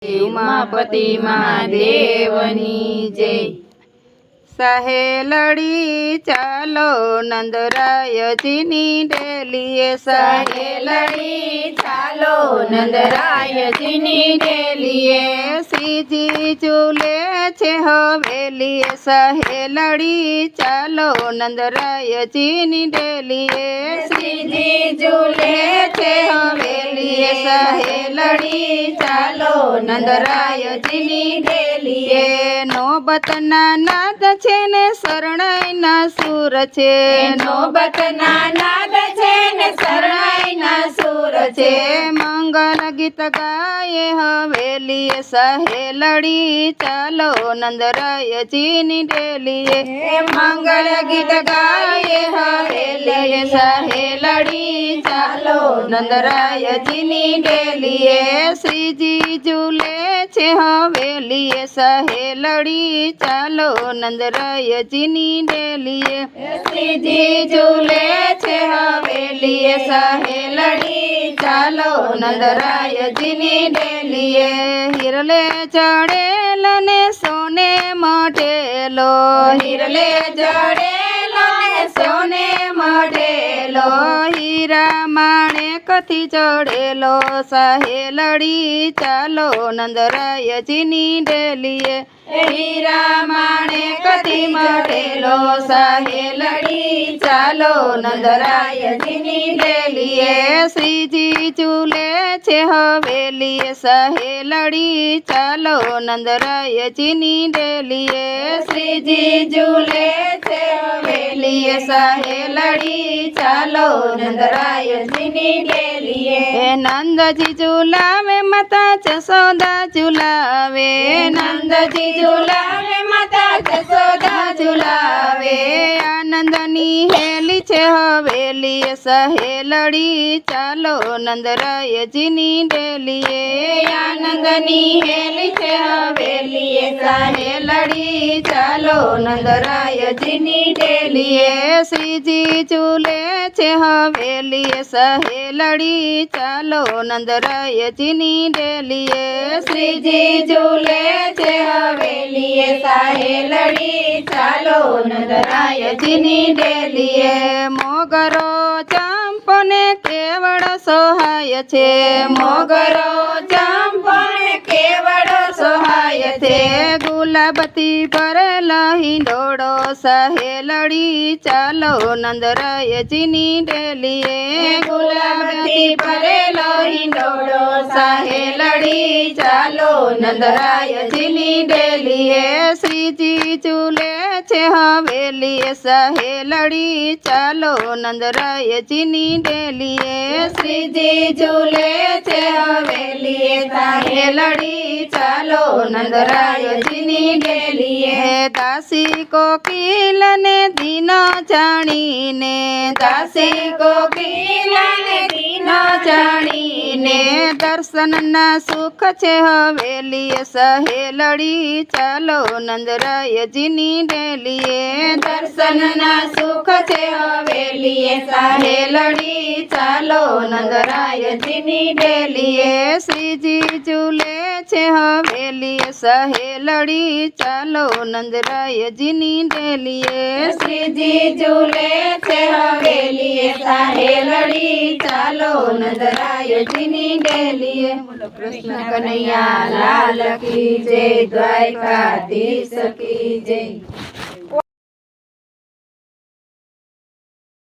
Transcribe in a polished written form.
उमापति महादेवनी जय। सहेलड़ी चालो नंदरायजीनी डेलिए सहेलड़ी चालो नंदरायजीनी डेलिए श्रीजी झूले छे हवेलीए सहेलड़ी चालो नंदरायजीनी डेलिए श्रीजी झूले छे हवेलीए सहेलड़ी चालो नंदरायजीनी डेलिए नोबतना नाद छे ने शरणाईना सूर छे नोबतना नाद छे ने शरणाईना सूर छे मंगल गीत गाये हवेलीए सहेलड़ी चालो नंदरायजीनी डेलिए मंगल गीत गाये हवेलीए सहेलड़ी चालो नंदरायजीनी डेलिए श्रीजी झूले छे हवेलीए सहेलड़ी चालो नंदरायजीनी डेलिए श्रीजी झूले छे हवेलीए सहेलड़ी चालो नंदरायजीनी डेलिए हिरले चढ़ेलो ने सोने मढेलो हिरले चढ़ेलो ने सोने मढेलो हीरा माणेकथी चढ़ेलो सहेलड़ी चालो नंदरायजीनी डेलिए हीरा माणेकथी मढेलो सहेलड़ी चालो नंदरायजीनी डेलिए श्रीजी झूले छे हवेलीए सहेलड़ी चालो नंदरायजीनी डेलिए श्रीजी झूले छे हवेलीए सहेलड़ी चालो नंदरायजीनी डेलिए नंदजी झूलावे माता जसोदा झूलावे नंदजी झूलावे माता जसोदा झूलावे आनंदनी हेली छे हवेलीए सहेलड़ी चालो नंदरायजीनी डेलिए आनंदनी हेली छे हवेलीए सहेलड़ी चालो नंदरायजीनी डेलिए श्रीजी झूले छे हवेलीए सहेलड़ी चालो नंदरायजीनी डेलिए श्रीजी झूले छे हवेलीए सहेलड़ी चालो नंदरायजीनी डेलिए मोगरो चंपने केवड़ सोहाय छे मोगरो चंपने केवड़ सोहाय छे गुलाबती पर हिंडोड़ो सहेलड़ी चालो नंदरायजीनी डेलिए गुलाबती पर हिंडोड़ो सहेलड़ी चालो नंदरायजीनी डेलिए श्रीजी झूले छे हवेलीए सहेलड़ी चालो नंदरायजीनी डेलिए श्रीजी झूले छे हवेलीए सहेलड़ी चालो नंदरायजीनी डेलिए दासी कोकिल ने दीनो जाणीने दासी कोकिल ने दीनो जाणीने दर्शन ना सुख छे हवेलीए सहेलड़ी चालो नंदरायजीनी डेलिए दर्शन ना सुख छे हवेलीए सहेलड़ी चालो नंदरायजीनी डेलिए श्रीजी झूले छे हवेलीए सहेलड़ी चालो नंदरायजीनी डेलिए श्रीजी झूले छे हवेलीए सहेलड़ी चालो नंदरायजीनी डेलिए। कृष्ण कन्हैया लाल की जय, द्वारकाधीश की जय।